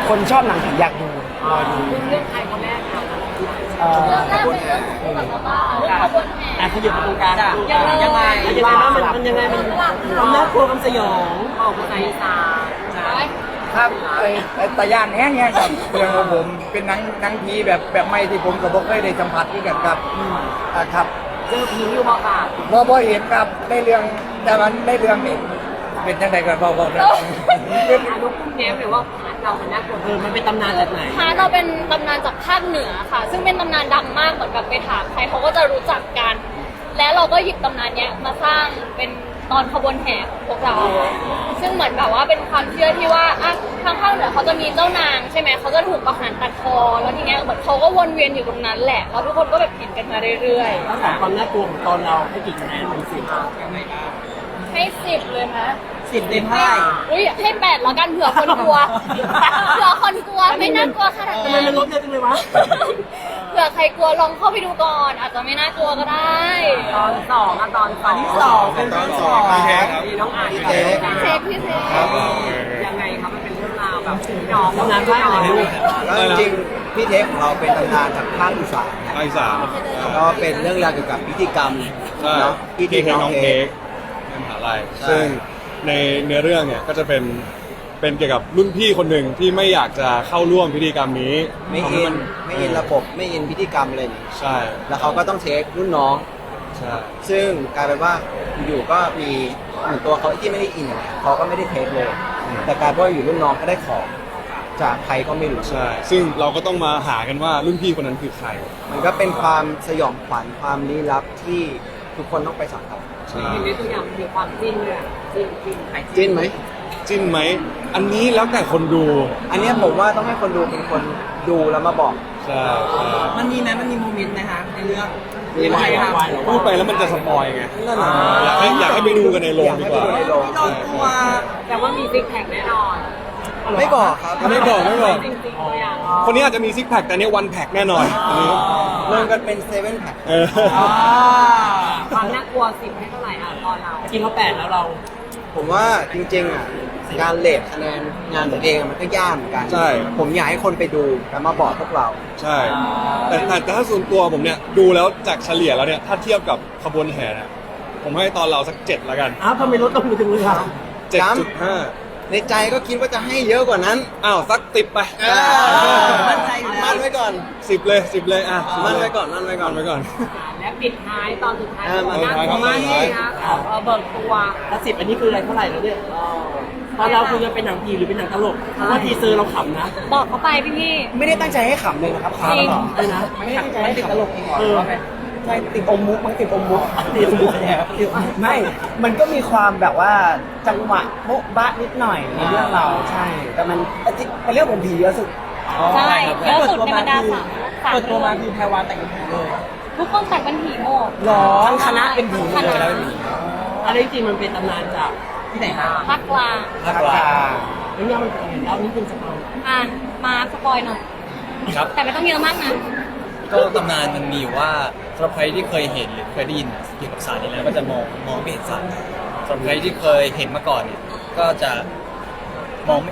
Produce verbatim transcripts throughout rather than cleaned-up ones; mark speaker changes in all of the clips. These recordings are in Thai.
Speaker 1: คนชอบหนังผีอยากดูรอดู
Speaker 2: เรื่องใครคนแรกคะ
Speaker 1: เอ่อ
Speaker 3: เรื่องแรกเป็นเรื่องคู่กับป้าเรื่องขบวนแห่
Speaker 1: อ่ะขยับไปตรงกลาง
Speaker 2: ยังไงยังไง
Speaker 1: ยังไงบ้างมันมันยังไงมันความน่ากลัวความสยอง
Speaker 2: บอกภาษาอีสาน
Speaker 4: ครับไอ้ไอ้ตะยานแห้งเนี่ยครับเรื่องของผมเป็นหนังหนังผีแบบแบบใหม่ที่ผมกับบอกเคยได้สัมผัสด้วยกันครับอ่าครับ
Speaker 2: เจอผีอยู่บ่ค่ะ
Speaker 4: พอพอเห็นครับในเรื่องแต่มันในเรื่องนี่เป็นยังไงกันพอบอกนะเป็น
Speaker 2: อนุคุณแง้มหรือว่าเรามันน่ากลัว
Speaker 1: เออมันเป็นตำนานจากไหน
Speaker 3: พาร์ทเราเป็นตำนานจากภาคเหนือค่ะ ซึ่งเป็นตำนานดังมากเหมือนแบบไปถามใครเขาก็จะรู้จักกัน และเราก็หยิบตำนานเนี้ยมาสร้างเป็นตอนขบวนแห่ของพวกเรา ซึ่งเหมือนแบบว่าเป็นความเชื่อที่ว่าอ่ะทางภาคเหนือเขาจะมีเจ้านางใช่ไหมเขาจะถูกประหารตัดคอแล้วทีเนี้ยเหมือนเขาก็วนเวียนอยู่ตรงนั้นแหละแล้วทุกคนก็แบบเห็นกันมาเรื่อย
Speaker 1: ตั้งแต่ความน่ากลัวของตอนเราให้กี่คะแนนมันสิบ
Speaker 3: ๆให้สิบเลยนะ
Speaker 1: สิบเต็มเท่าไหร่
Speaker 3: อุ้ยให้แปดแล้วกันเผื่อคนกลัว เผื่อคนกลัวไม่น่ากลัวขนาด
Speaker 1: ทำไม
Speaker 3: นั้น
Speaker 1: มันลดเยอะจังเลยวะ
Speaker 3: เผื่อใครกลัวลองเข้าไปดูก่อน อาจจะไม่น่ากลัวก็ได้
Speaker 2: ตอนสองอะตอนสอง
Speaker 1: ที่สองเป็นตอนสอง
Speaker 2: มีน้องอ่าน
Speaker 3: เช็คพี่เช็ค
Speaker 2: ยังไงครับมันเป็นเรื่องราวแบบพี่น้อง
Speaker 1: ตำนานภาคไหนลูก
Speaker 5: ก็จริงๆพี่เทคของเราเป็นตำนานจากภาคอีสานครับ
Speaker 6: ภาคอีสาน
Speaker 5: ก็เป็นเรื่องราวเกี่ยวกับพิธีกรรม
Speaker 6: ใช่
Speaker 5: เนาะ
Speaker 6: พี่
Speaker 5: ที่
Speaker 6: เค้ก
Speaker 5: น้
Speaker 6: น้
Speaker 5: อ
Speaker 6: อง ง
Speaker 5: เค้
Speaker 6: เค้
Speaker 5: ก
Speaker 6: กในมหาลัย
Speaker 5: ใช่
Speaker 6: ซึ่งในเนื้อเรื่องเนี่ยก็จะเป็นเป็นเกี่ยวกับรุ่นพี่คนหนึ่งที่ไม่อยากจะเข้าร่วมพิธีกรรมนี้
Speaker 5: ไม่
Speaker 6: ทำ
Speaker 5: อิ
Speaker 6: ให้
Speaker 5: นไม่อินระบบไม่อินพิธีกรรมอะไรนี่
Speaker 6: ใช่
Speaker 5: แล้วเขาก็ต้องเทครุ่นน้อง
Speaker 6: ใช่
Speaker 5: ซึ่งกลายเป็นว่าอยู่ๆก็มีเหมือนตัวเขาที่ไม่ได้อินอย่างเงี้ยเขาก็ไม่ได้เทคเลย แต่กลายเป็นว่าอยู่รุ่นน้องก็ได้ของจากใครก็ไม่รู้
Speaker 6: ใช่ซึ่งเราก็ต้องมาหากันว่ารุ่นพี่คนนั้นคือใคร
Speaker 5: มันก็เป็นความสยองขวัญความลี้ลับที่ทุกคนต้องไปสัมผัส
Speaker 6: ใช่
Speaker 2: เห็นในตัวอย่างมีความจิ้นเลยอะจิ้นจิ้นใคร
Speaker 5: จิ้นไหม
Speaker 6: จิ้นไหมอันนี้แล้วแต่คนดู
Speaker 5: อันเนี้ยผมว่าต้องให้คนดูเป็นคนดูแล้วมาบอก
Speaker 6: ใช่ใช่
Speaker 1: มันมีไหมมันมีโมเมนต์นะคะในเรื่อง
Speaker 5: มีไหม
Speaker 6: พูดไปแล้วมันจะสปอยไง
Speaker 5: นั่นน่ะ
Speaker 6: อยากให้อยากให้ไปดูกันในโรงดีกว่า
Speaker 5: อยากให้ไปดูในโรง
Speaker 1: เรากลัว
Speaker 2: แต่ว่ามีซิกแพคแน่นอน
Speaker 5: ไม่บอกครับ
Speaker 6: ไม่บอกไม่บอก
Speaker 2: จริงๆตัวอย่าง
Speaker 6: คนนี้อาจจะมีซิกแพคแต่เนี้วันแพคแน่นอนอันนี้
Speaker 5: เริ่มกันเป็นเซเว่นแพ็ค
Speaker 6: เออ
Speaker 2: ความน่ากลัวสิบให้เท่าไหร่อ่ะตอนเรา
Speaker 1: จริงเขาแปดแล้วเรา
Speaker 5: ผมว่าจริงๆอ่ะการเลทคะแนนงานตัวเองมันก็ยากเหมือนกัน
Speaker 6: ใช่
Speaker 5: ผมอยากให้คนไปดูแล้วมาบอกพวกเรา
Speaker 6: ใช่ แต่แต่แต่ถ้าส่วนตัวผมเนี่ยดูแล้วจากเฉลี่ยแล้วเนี่ยถ้าเทียบกับขบวนแห่เนี่ยผมให้ตอนเราสักเจ็ดละกัน
Speaker 1: อ้าวทำไมลดลงถึงเลยครับ
Speaker 6: เจ็ดจุดห้า
Speaker 5: ในใจก็คิดว่าจะให้เยอะกว่านั้น
Speaker 6: อ้าวสักติบไป
Speaker 5: มั่นใจอยู่แล้วมั่นไว้ก่อน
Speaker 6: สิบเลยสิบเลยอ่ะ
Speaker 5: มั่นไว้ก่อนมั่นไว้ก่อน
Speaker 6: มั่นไว้ก่อน
Speaker 2: และปิดท้ายตอนสุดท้าย
Speaker 5: เออ
Speaker 2: มันน่ากลัวมากเลยนะเออเบิกตัว
Speaker 1: แล้วสิบอันนี้คืออะไรเท่าไหร่แล้วเนี่ยตอนเราคือจะเป็นหนังผีหรือเป็นหนังตลกเพราะว่าทีเซอร์เราขำนะ
Speaker 3: บอกเขาไปพี่พี่
Speaker 1: ไม่ได้ตั้งใจให้ขำเลยนะครับ
Speaker 3: จริง
Speaker 1: เลยนะไม่ได้ตั้งใจให้ติดตลกเออใช่ติดอมมุกมันติดอมมุกติดอมมุกไม่ มันก็มีความแบบว่าจังหวะโบ๊ะบะนิดหน่อยในเรื่องเราใช่ แต่มันเป็นเรื่องของผีเยอะสุด
Speaker 3: ใช่เยอะสุดในบรรดาสามสาม
Speaker 1: เปิดตัวมา
Speaker 3: เรื่
Speaker 1: คือ
Speaker 3: อง
Speaker 1: แพรวาแต่งเป็นผีเลย
Speaker 3: ทุกคนแต่งเป็นผีหมด
Speaker 1: หรอทั้งคณะเป็นผี
Speaker 3: คณะ
Speaker 1: อันนี้จริงมันเป็นตำนานจากที่ไหนคะ
Speaker 3: ภาคกลาง
Speaker 1: ภาคกลางแล้วเนี่ยมันเป็นยังไงแล้วนี่เป็นสปอย
Speaker 3: อ่ะมาสปอยหน่อย
Speaker 7: ครับ
Speaker 3: แต่ไม่ต้องเยอะมากนะ
Speaker 7: ก็ตำนานมันมีอยู่ว่าสำหรับใครที่เคยเห็นหรือเคยได้ยินเกี่ยวกับสารนี้แล้วก็จะมองมองไม่เห็นสารสำหรับใครที่เคยเห็นมาก่อนเนี่ยก็จะมองไม่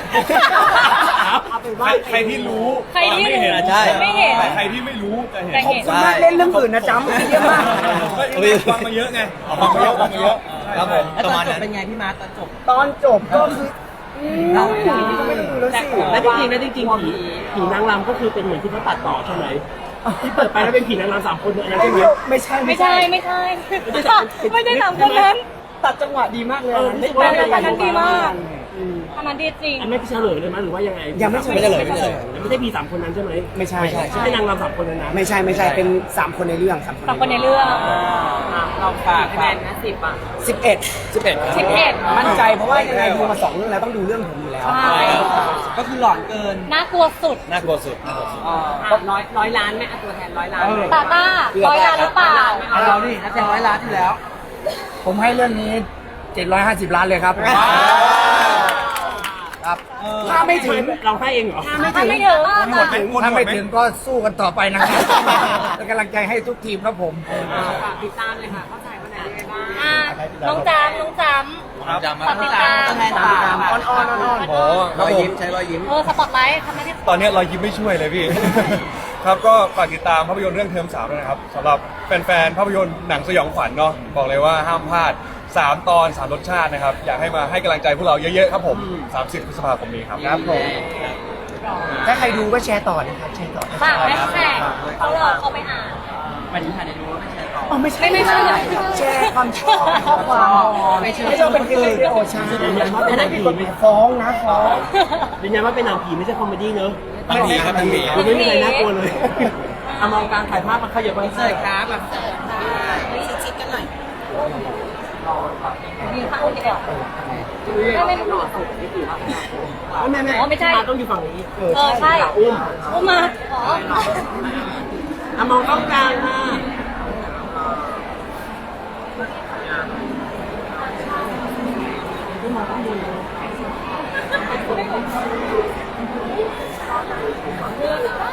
Speaker 1: เอาเป็น
Speaker 6: ใค
Speaker 1: ว่าร
Speaker 6: ใครที่รู้
Speaker 3: ใครที่
Speaker 6: ไม่
Speaker 3: รู้
Speaker 6: เห็น
Speaker 7: ใช่
Speaker 3: ไม่เห็น
Speaker 6: แต่ใครที่ไม่รู้จะเห็น
Speaker 3: แต่
Speaker 1: ขอบ
Speaker 3: เห็น
Speaker 1: คุณมากเล่นเรื่องอื่นนะจ๊ะเยอะมาก
Speaker 6: ฟังมาเยอะไงฟังมาเยอะฟังมาเยอะ
Speaker 7: ครับผม
Speaker 1: แล้ว
Speaker 7: ป
Speaker 1: ต
Speaker 7: ระ
Speaker 1: อน
Speaker 7: มาณ
Speaker 1: จบ
Speaker 7: นั้น
Speaker 1: เป็นไงพี่มาร์ตอนจบ
Speaker 4: ตอนจบก็คือ
Speaker 1: เรา
Speaker 4: ก็ไม่ต้องดูแล้วสิ
Speaker 1: แล้วจริงๆแล้วจริงๆผีผีนางรำก็คือเป็นเหมือนที่เขาตัดต่อใช่ไหมที่เปิดไปแล้วเป็นผีนางรำสามคนเนี่ยอันนั้นใช่ไหม
Speaker 4: ไม่ใช่
Speaker 3: ไม่ใช่ไม่ใช่ไม่ใช่สามคนนั้น
Speaker 4: ตัดจังหวะดีมากเลย
Speaker 1: เออ
Speaker 4: ได้
Speaker 3: แต่แต่แต่นั้นดีมาก
Speaker 1: อืม
Speaker 3: อันนั้นดีจริง
Speaker 1: อันไม่เฉลยเลยมั้ยหรือว่ายังไง
Speaker 4: ยังไม่
Speaker 5: ไม่เฉลยไม่เฉลย
Speaker 1: ไม่ใช่ผีสามคนนั้นใช่ไหม
Speaker 4: ไม่ใช่
Speaker 1: ไม่ใช่นางรำสามคนนั้นนะ
Speaker 4: ไม่ใช่ไม่ใช่เป็นสามคนในเรื่องสามคน
Speaker 3: สามคนในเรื่อง
Speaker 2: อ่ะเราฝากคะแนนนะสิบอ่ะ
Speaker 4: สิบเอ็ด
Speaker 5: สิบเอ็ด
Speaker 3: สิบเอ็ด
Speaker 4: มั่นใจเพราะว่ายังไงดูมาสองเรื่องแล้วต้องดูเรื่องผมอยู่แล้ว
Speaker 3: ใช่
Speaker 1: ก็คือหลอนเกิน
Speaker 3: น่ากลัวสุด
Speaker 7: น่ากลัวสุดน่ากลัวสุด
Speaker 2: อ่ะร้อยร้อยล้านไหมอ่ะตัวแทนร้อยล้านไหม
Speaker 3: ตาต้าร้อยล้านหรือเปล่า
Speaker 1: เอาเราดินักแสดงร้อยล้านที่แล้ว
Speaker 4: ผมให้เรื่องนี้เจ็ดร้อยห้าสิบล้านเลยครับครับถ้าไม่ถึง
Speaker 1: เราให้เองเหรอ
Speaker 3: ถ้าไม่ถึง
Speaker 6: หมดไหมหมด
Speaker 4: ถ้า
Speaker 6: หม
Speaker 4: ไม่
Speaker 6: ดไหม
Speaker 4: ถึงก็สู้กันต่อไปนะครับเป็นกำลังใจให้ทุกทีมครับผม
Speaker 2: ฝากติดตามเลยค่ะ เข้าใจว่าไหนยังไงบ้าง
Speaker 3: อ่ะน้องจามน้องจาม
Speaker 7: จำมา
Speaker 3: ฝากติดตาม
Speaker 1: ตามตามอ้อนอ้อนอ้อนอ้อน
Speaker 6: โอ้ค
Speaker 5: ร
Speaker 6: รับ
Speaker 5: อย
Speaker 6: ผม
Speaker 5: ยิ้มใช้รอยยิ้ม
Speaker 3: เออสปอตไลท์ทำไมได้
Speaker 6: ตอนนี้รอยยิ้มไม่ช่วยเลยพี่ ครับก็ฝากติดตามภาพยนตร์เรื่องเทอมสามด้วยนะครับสำหรับแฟนๆภาพยนตร์หนังสยองขวัญเนาะบอกเลยว่าห้ามพลาดสามตอนสามรสชาตินะครับอยากให้มาให้กำลังใจพวกเราเยอะๆครับผมสามสิบพฤษภาคมนี้ครับ
Speaker 1: ครับผมถ้าใครดูก็แชร์ต่อนะครับแชร์ต่อ
Speaker 3: ฝากแฮชแท็กเขารอเขาไปอ่าน
Speaker 2: วันนี้ค่ะในรู้ว่าไม่ใช่ต่อ
Speaker 1: อ๋อไม่ใช่
Speaker 3: ไม่ใช่
Speaker 1: แชร์ความชอบข้อความ
Speaker 2: ไม่ใช่
Speaker 1: ไม่ใช่เป็นคลิปวิดีโอใช่อันนั้นผิดกฎหมายฟ้องนะฟ้อง
Speaker 2: ยืนยันว่าเป็นหนังผีไม่ใช่คอมเมดี้เนอะ
Speaker 7: หนังผีครับหนังผี
Speaker 2: ไม่มีอะไรน่ากลัวเลยเอามองการถ่ายภาพมาขยับมาเสิร์ฟครับแบบ
Speaker 3: ยืนข้างดีกว่าไม่ไม่ไม่
Speaker 2: แม่แม่
Speaker 3: อ๋อไม่ใช่
Speaker 2: มาต้องอยู่ฝั่งนี้
Speaker 3: เออใช่
Speaker 2: อุ้ม
Speaker 3: อุ้มมาอ๋อ
Speaker 2: เอามองกล้องกลางค่ะ
Speaker 3: เ